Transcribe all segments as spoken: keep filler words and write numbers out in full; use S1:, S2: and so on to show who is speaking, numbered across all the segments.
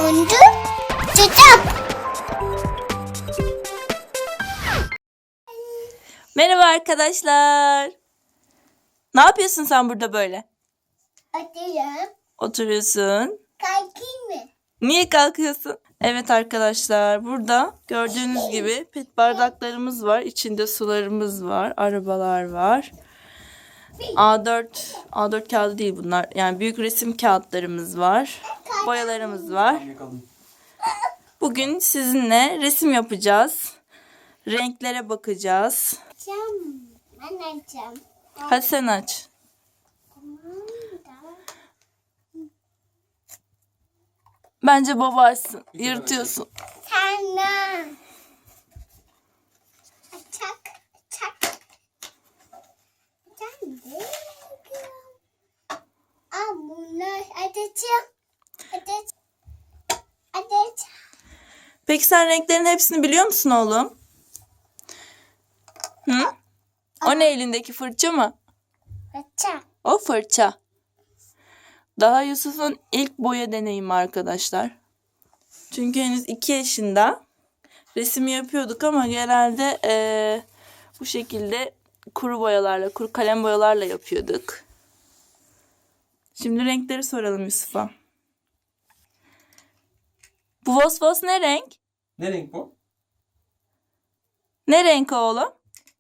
S1: Turuncu çocuk.
S2: Merhaba arkadaşlar. Ne yapıyorsun sen burada böyle?
S1: Oturuyorum.
S2: Oturuyorsun.
S1: Kalkayım mı?
S2: Niye kalkıyorsun? Evet arkadaşlar, burada gördüğünüz gibi pet bardaklarımız var. İçinde sularımız var. Arabalar var. A dört A dört kağıdı değil bunlar. Yani büyük resim kağıtlarımız var. Boyalarımız var. Bugün sizinle resim yapacağız. Renklere bakacağız.
S1: Açacağım. Ben açacağım.
S2: Hadi sen aç.
S1: Tamam. Tamam.
S2: Bence baba açsın. Yırtıyorsun.
S1: Sana. Açak. Açak. Açak. Aa bunlar açacağım. Açacağım. Açacağım.
S2: Peki sen renklerin hepsini biliyor musun oğlum? Hı? O ne elindeki, fırça mı?
S1: Açak.
S2: O fırça. Daha Yusuf'un ilk boya deneyimi arkadaşlar. Çünkü henüz iki yaşında. Resim yapıyorduk ama genelde eee, bu şekilde kuru boyalarla, kuru kalem boyalarla yapıyorduk. Şimdi renkleri soralım Yusuf'a. Bu vos vos ne renk?
S3: Ne renk bu?
S2: Ne renk o oğlum?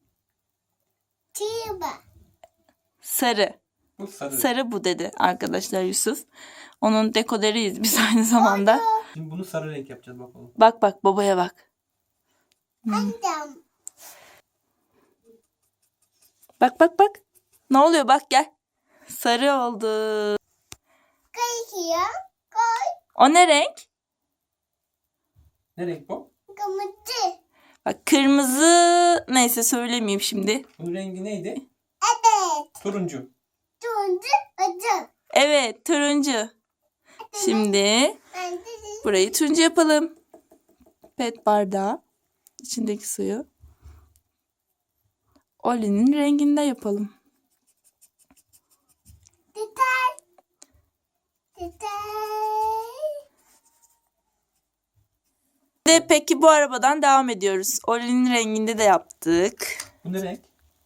S1: Tiba.
S2: Sarı.
S3: Bu sarı.
S2: Sarı bu dedi arkadaşlar Yusuf. Onun dekoderiyiz biz aynı zamanda.
S3: Şimdi bunu sarı renk yapacağız bakalım.
S2: Bak bak babaya bak.
S1: Annem.
S2: Bak bak bak. Ne oluyor bak gel. Sarı oldu.
S1: Kayıyor. Koy.
S2: O ne renk?
S3: Ne renk bu?
S1: Kırmızı.
S2: Bak kırmızı, neyse söylemeyeyim şimdi.
S3: Bunun rengi neydi?
S1: Evet.
S3: Turuncu.
S1: Turuncu acı.
S2: Evet, turuncu. Şimdi
S1: Ben de
S2: burayı turuncu yapalım. Pet bardağı. İçindeki suyu Oli'nin renginde yapalım.
S1: detay. Detay.
S2: De peki bu arabadan devam ediyoruz. Oli'nin renginde de yaptık.
S3: Bu ne renk?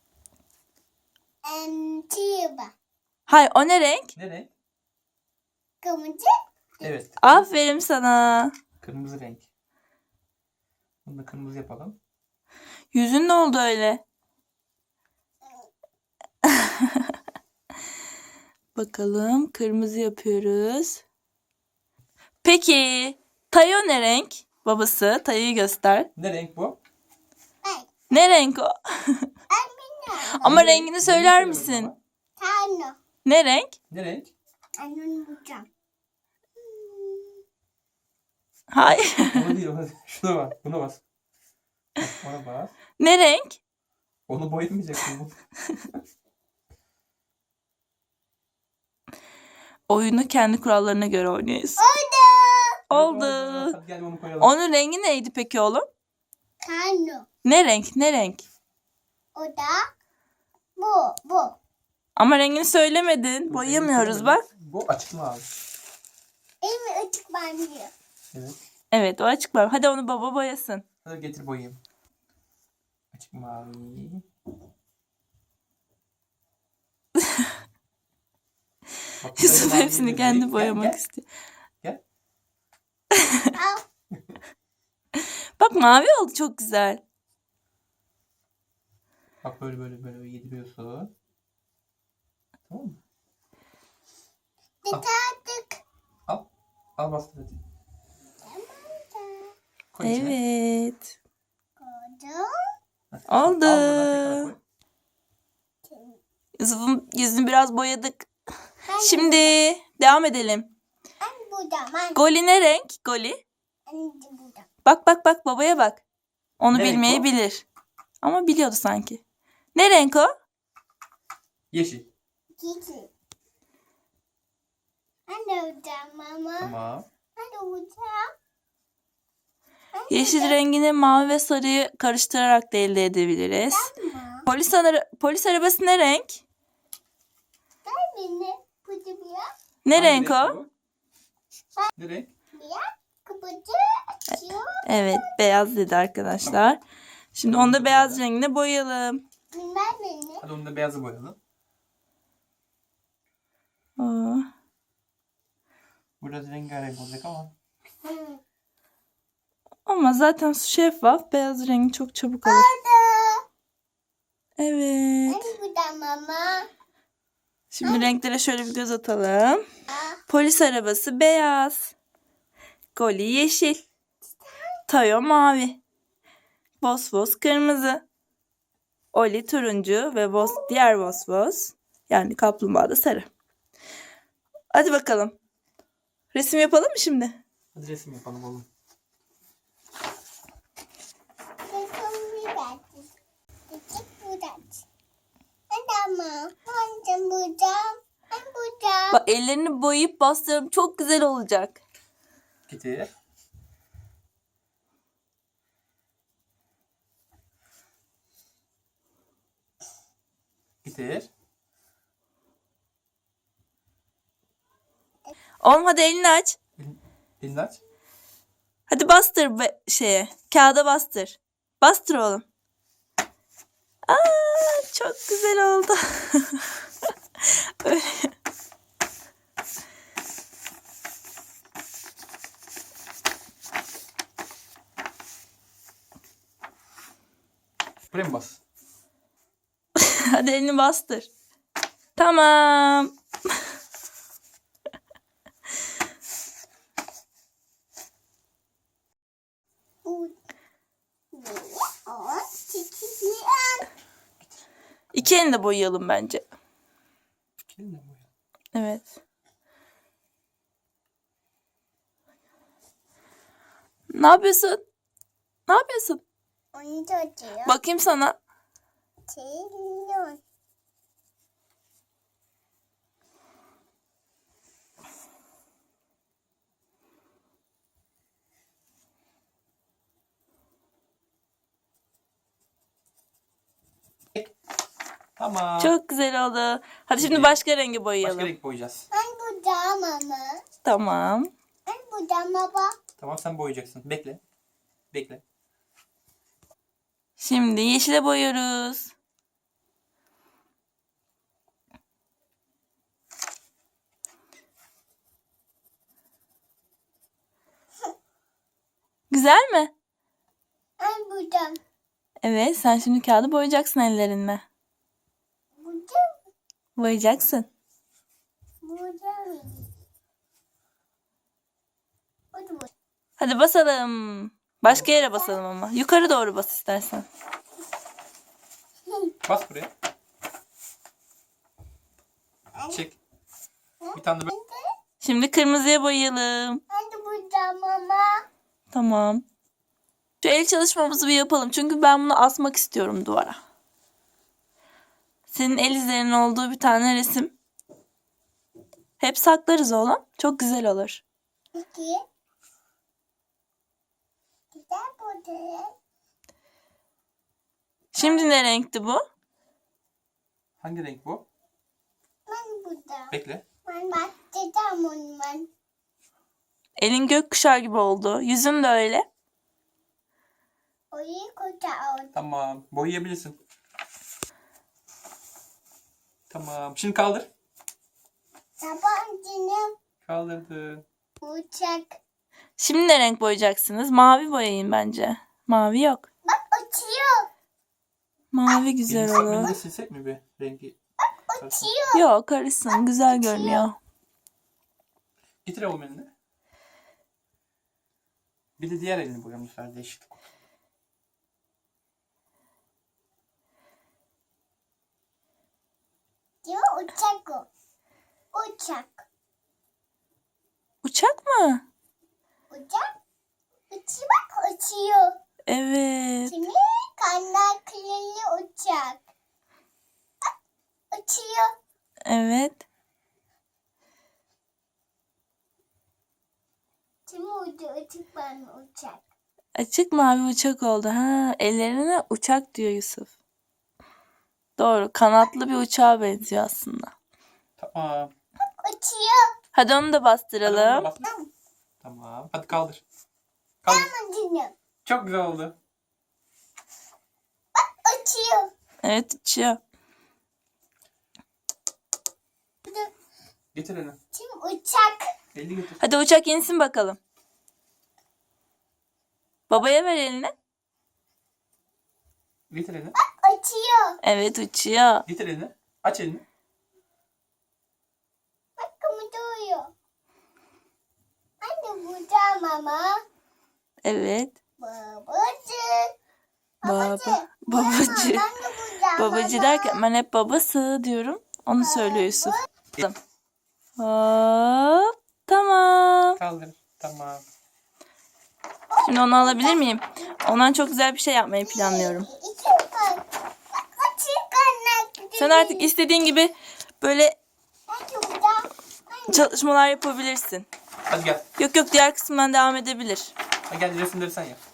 S1: Em, Tiba.
S2: Hay o ne renk?
S3: Ne renk?
S1: Kırmızı.
S3: Evet.
S2: Aferin sana.
S3: Kırmızı renk. Bunu da kırmızı yapalım.
S2: Yüzün ne oldu öyle? Bakalım, kırmızı yapıyoruz. Peki Tayo ne renk? Babası Tayo'yu göster.
S3: Ne renk bu?
S1: Ben.
S2: Ne renk o?
S1: Annem.
S2: Ama
S3: Ne renk?
S2: rengini söyler
S3: Rengini
S2: misin?
S3: söylemedim
S1: Tano.
S2: Ne renk?
S3: ama. Ne renk?
S1: Annem bulacağım.
S2: Hayır.
S3: Onu değil, onu değil. Şuna bak. Buna bas. Bak, ona bas.
S2: Ne renk?
S3: Onu boyamayacaksın. Bu.
S2: Oyunu kendi kurallarına göre oynuyoruz. Oldu.
S3: Hadi gel onu koyalım.
S2: Onun rengi neydi peki oğlum?
S1: Tano.
S2: Ne renk? Ne renk?
S1: O da bu. Bu.
S2: Ama rengini söylemedin. Boyayamıyoruz bak.
S3: Bu açık mavi.
S1: Elimi açık banıyor.
S3: Evet.
S2: Evet, o açık var. Hadi onu baba boyasın.
S3: Hadi getir boyayayım. Açık mavi. Bak,
S2: Yusuf
S3: mavi
S2: hepsini
S3: değil.
S2: kendi
S3: Gel,
S2: boyamak
S3: gel,
S2: istiyor.
S3: Gel.
S1: Al.
S2: Bak mavi oldu, çok güzel.
S3: Bak böyle böyle böyle yediriyorsun. Tamam mı?
S1: Detaydık.
S3: Al. Al bastır hadi. Koy içine.
S2: Evet.
S1: Koydum.
S3: Hadi.
S2: Oldu.
S3: Al buradan tekrar koy.
S2: Yusuf'un yüzünü biraz boyadık.
S1: Ben
S2: Şimdi devam edelim.
S1: Ben burada. Ben.
S2: Goli ne renk? Goli.
S1: Ben de burada.
S2: Bak bak bak babaya bak. Onu
S3: Ne renk o?
S2: bilmeyebilir. Ama biliyordu sanki. Ne renk o?
S3: Yeşil.
S1: Gidi. Ben de olacağım mama.
S3: Tamam.
S1: Ben de olacağım.
S2: Yeşil rengini mavi ve sarıyı karıştırarak da elde edebiliriz.
S1: Tamam.
S2: Polis, ara- polis arabası ne renk?
S1: Ben beni burada bir yer.
S2: Ne
S3: Hangi
S2: renk o?
S3: bu? Ne renk?
S1: Bir yer. buca açıyor.
S2: Evet, beyaz dedi arkadaşlar. Şimdi onu da beyaz rengine boyayalım.
S1: Bilmem beni.
S3: Hadi onu da beyazı boyayalım.
S2: Oo.
S3: Biraz rengarenk olacak ama.
S1: Hı.
S2: Ama zaten su şeffaf. Beyaz rengi çok çabuk alır.
S1: Orada.
S2: Evet.
S1: Hani burada mama.
S2: Şimdi renklere şöyle bir göz atalım.
S1: Aa,
S2: Polis arabası beyaz. Goli yeşil. Tayo mavi. Vosvos kırmızı. Oli turuncu ve Vos, diğer Vosvos yani kaplumbağa da sarı. Hadi bakalım. Resim yapalım mı şimdi?
S3: Hadi resim yapalım oğlum.
S1: bakın bir dakika. Küçük burada. Hadi ama. Ben de burada. Ben burada.
S2: Bak ellerini boyayıp bastıralım. Çok güzel olacak.
S3: Getir. Getir.
S2: Oğlum hadi elini aç.
S3: Elini, elini aç.
S2: Hadi bastır be şeye. Kağıda bastır. Bastır oğlum. Aa, çok güzel oldu. Öyle.
S3: Buraya mı bas?
S2: Hadi elini bastır. Tamam.
S1: Bu. Ne? O. Küçük bir an.
S2: İki elini de boyayalım bence.
S3: Elinle boya.
S2: Evet. Ne yapıyorsun? Ne yapıyorsun?
S1: Onu tutuyor.
S2: Bakayım sana.
S1: Televizyon.
S3: Tamam.
S2: Çok güzel oldu. Hadi şimdi
S3: Şimdi
S2: başka rengi
S3: Başka
S2: boyayalım.
S3: renk boyayacağız.
S1: Ben burada mama.
S2: Tamam.
S1: Ben burada baba.
S3: Tamam sen boyayacaksın. Bekle. Bekle.
S2: Şimdi yeşile boyuyoruz. Güzel mi?
S1: Ben burada.
S2: Evet, sen şimdi kağıdı boyayacaksın ellerinle.
S1: Burada.
S2: Boyayacaksın.
S1: Burada. Burada.
S2: Hadi basalım. Başka yere basalım ama. Yukarı doğru bas istersen.
S3: Bas buraya. Çek. Bir tane de böyle.
S2: Şimdi kırmızıya boyayalım.
S1: Ben de burada mama.
S2: Tamam. Şu el çalışmamızı bir yapalım. Çünkü ben bunu asmak istiyorum duvara. Senin el izlerinin olduğu bir tane resim. Hep saklarız oğlum. Çok güzel olur.
S1: İki. Güzel burada.
S2: Şimdi ne renkti bu?
S3: Hangi renk bu?
S1: Ben burada.
S3: Bekle.
S1: Ben bakacağım onu ben.
S2: Elin gökkuşağı gibi oldu. Yüzün de öyle.
S1: Orayı koyacağım.
S3: Tamam. Boyayabilirsin. Tamam. Şimdi kaldır.
S1: Tabancını
S3: Kaldırdın.
S1: uçak.
S2: Şimdi ne renk boyayacaksınız? Mavi boyayın bence. Mavi yok.
S1: Bak uçuyor.
S2: Mavi güzel
S3: Elini, elini
S2: olur.
S3: de silsek mi bir rengi?
S1: Uçuyor.
S2: Yok karışsın. Güzel görünüyor.
S3: Getir oğlum elini. Bir de diğer elini boyayalım bu sefer değişiklik olsun.
S1: Diyor uçak o. Uçak.
S2: Uçak mı?
S1: Uçak. Uçuyor bak uçuyor.
S2: Evet.
S1: Şimdi kanatlı uçak. Bak uçuyor.
S2: Evet.
S1: Şimdi uçuyor uçak ben uçak.
S2: Açık mavi uçak oldu. Ha, ellerine uçak diyor Yusuf. Doğru. Kanatlı bir uçağa benziyor aslında.
S3: Tamam.
S1: Uçuyor.
S2: Hadi onu da
S3: Hadi onu da
S2: bastıralım.
S3: bas. Tamam. Hadi kaldır. Kaldır.
S1: Tamam canım.
S3: Çok güzel oldu.
S1: Uçuyor.
S2: Evet uçuyor.
S3: Getir elini.
S1: Şimdi uçak.
S3: Elini getir.
S2: Hadi uçak insin bakalım. Babaya ver elini.
S3: Getir elini.
S1: Uçuyor.
S2: Evet uçuyor.
S3: Getir elini. Aç elini.
S1: Bak kımıldıyor. Anne burada mama.
S2: Evet.
S1: Babacı.
S2: Baba. Babacı.
S1: Ben de burada.
S2: Babacı derken ben hep babası diyorum. Onu söylüyor Yusuf. Hop. Tamam.
S3: Kaldır. Tamam.
S2: Şimdi onu alabilir miyim? Ondan çok güzel bir şey yapmayı planlıyorum.
S1: İki kan. Bak açık kanlar.
S2: Sen artık istediğin gibi böyle
S1: Ben de burada.
S2: çalışmalar yapabilirsin.
S3: Hadi gel.
S2: Yok yok diğer kısımdan devam edebilir.
S3: Hadi gel resimleri sen yap.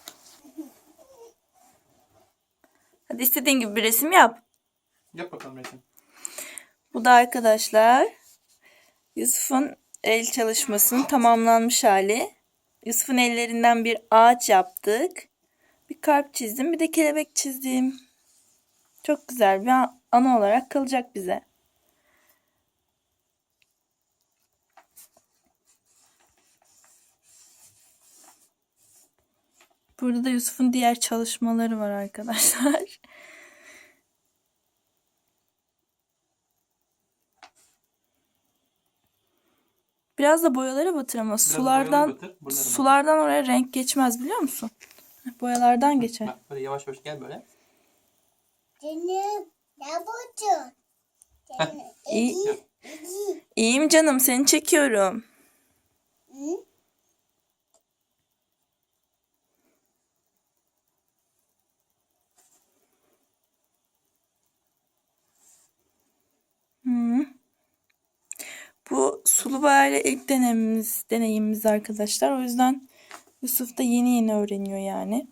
S2: Hadi istediğin gibi bir resim yap.
S3: Yap bakalım resim.
S2: Bu da arkadaşlar Yusuf'un el çalışmasının tamamlanmış hali. Yusuf'un ellerinden bir ağaç yaptık. Bir kalp çizdim, bir de kelebek çizdim. Çok güzel bir anı olarak kalacak bize. Burada da Yusuf'un diğer çalışmaları var arkadaşlar. Biraz da boyalara batır ama sulardan
S3: boyaları batır, buralara batır.
S2: sulardan oraya renk geçmez biliyor musun? Boyalardan geçer.
S3: Bak böyle yavaş yavaş gel böyle.
S1: Canım. Ne buldun? Canım.
S2: İyi.
S1: İyi. İyi.
S2: İyiyim canım, seni çekiyorum.
S1: Hı?
S2: Hı. Bu sulu boyayla ilk deneyimimiz, deneyimimiz arkadaşlar. O yüzden Yusuf da yeni yeni öğreniyor yani.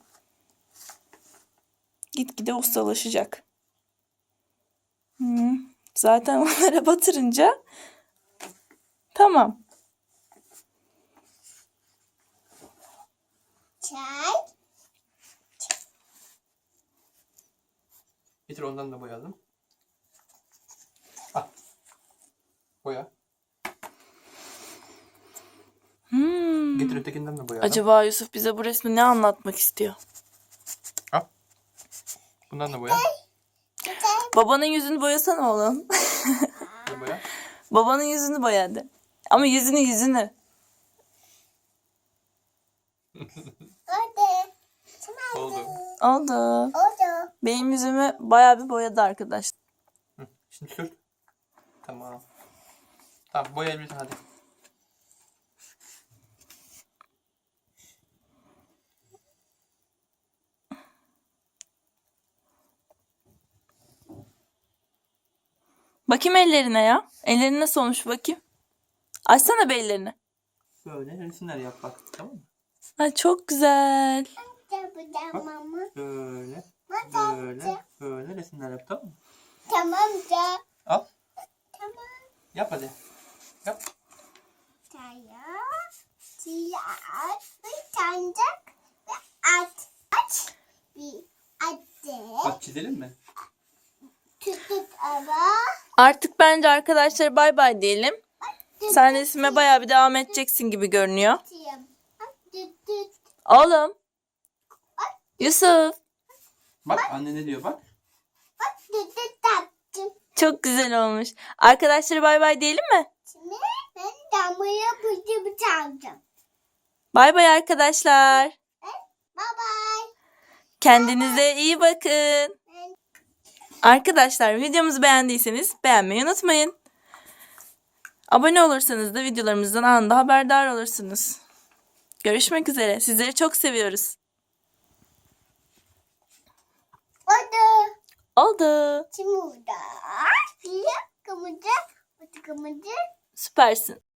S2: Gitgide ustalaşacak. Hı. Zaten onlara batırınca tamam.
S1: Çay.
S3: Getir ondan da boyayalım. Al. Boya.
S2: Hmm.
S3: Getir ötekinden de boyayalım.
S2: Acaba Yusuf bize bu resmi ne anlatmak istiyor?
S3: Al. Bundan da boya.
S2: Babanın yüzünü boyasana oğlum.
S3: Bir boya.
S2: Babanın yüzünü boyadı. Ama yüzünü yüzünü.
S1: Oldu.
S3: Oldu.
S2: Oldu.
S1: Oldu.
S2: Benim yüzümü bayağı bir boyadı arkadaşlar.
S3: Hı. Şimdi sür. Tamam. Tamam boyayabilirsin hadi.
S2: Bakayım ellerine ya. Ellerin nasıl olmuş bakayım. Açsana be ellerini.
S3: Böyle resimler yap bak. Tamam mı?
S2: Ay çok güzel.
S1: Burada mama.
S3: Böyle.
S1: Mama.
S3: Böyle. Böyle resimler yap tamam mı?
S1: Tamam da.
S3: Al.
S1: Tamam.
S3: Yap hadi. Yap.
S1: Saya. Siyah. Bir sancak. Ve at. Aç. Bir adet.
S3: Bak çizelim mi?
S1: Tutup ara.
S2: Artık bence arkadaşlar bay bay diyelim. Sen resime bayağı bir devam edeceksin gibi görünüyor.
S1: Tutayım. Tut tut.
S2: Oğlum. Yusuf.
S3: Bak anne ne diyor bak.
S1: Bak tut tut taktım.
S2: Çok güzel olmuş. Arkadaşlara bay bay diyelim mi?
S1: Şimdi ben damlaya bıcı çalacağım.
S2: Bay bay arkadaşlar.
S1: Bye bye.
S2: Kendinize iyi bakın. Arkadaşlar videomuzu beğendiyseniz beğenmeyi unutmayın. Abone olursanız da videolarımızdan anında haberdar olursunuz. Görüşmek üzere. Sizleri çok seviyoruz.
S1: Oldu.
S2: Oldu.
S1: Şimdi burada. Siyah kımıcı. Batı kımıcı.
S2: Süpersin.